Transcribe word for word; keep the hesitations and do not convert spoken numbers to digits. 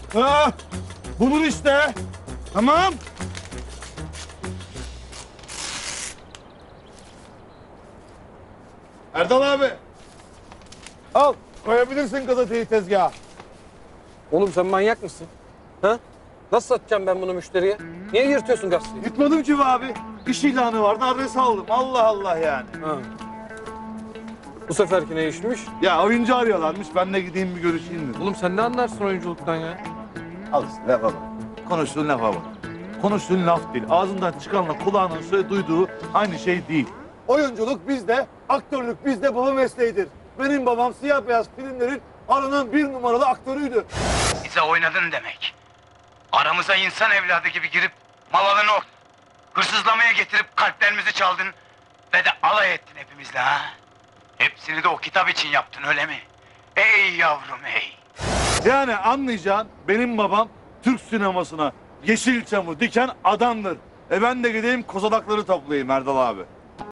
Ha, bulur işte. Tamam. Erdal abi. Al, koyabilirsin gazeteyi tezgaha. Oğlum sen manyak mısın? Ha? Nasıl satacağım ben bunu müşteriye? Niye yırtıyorsun gazeteyi? Gitmedim ki be abi. İş ilanı vardı, adres aldım. Allah Allah yani. Ha. Bu seferki ne işmiş? Ya oyuncu arıyorlarmış, ben de gideyim bir görüşeyim dedim. Oğlum sen ne anlarsın oyunculuktan ya? Al işte lafa bak. Konuştuğun lafa bak. Konuştuğun laf değil. Ağzından çıkanla kulağının söyle duyduğu aynı şey değil. Oyunculuk bizde, aktörlük bizde baba mesleğidir. Benim babam siyah beyaz filmlerin aranan bir numaralı aktörüydü. Bize oynadın demek. Aramıza insan evladı gibi girip malını o hırsızlamaya getirip kalplerimizi çaldın ve de alay ettin hepimizle ha. Hepsini de o kitap için yaptın öyle mi? Ey yavrum ey. Yani anlayacağın benim babam Türk sinemasına Yeşilçam'ı diken adamdır. E ben de gideyim kozalakları toplayayım Erdal abi.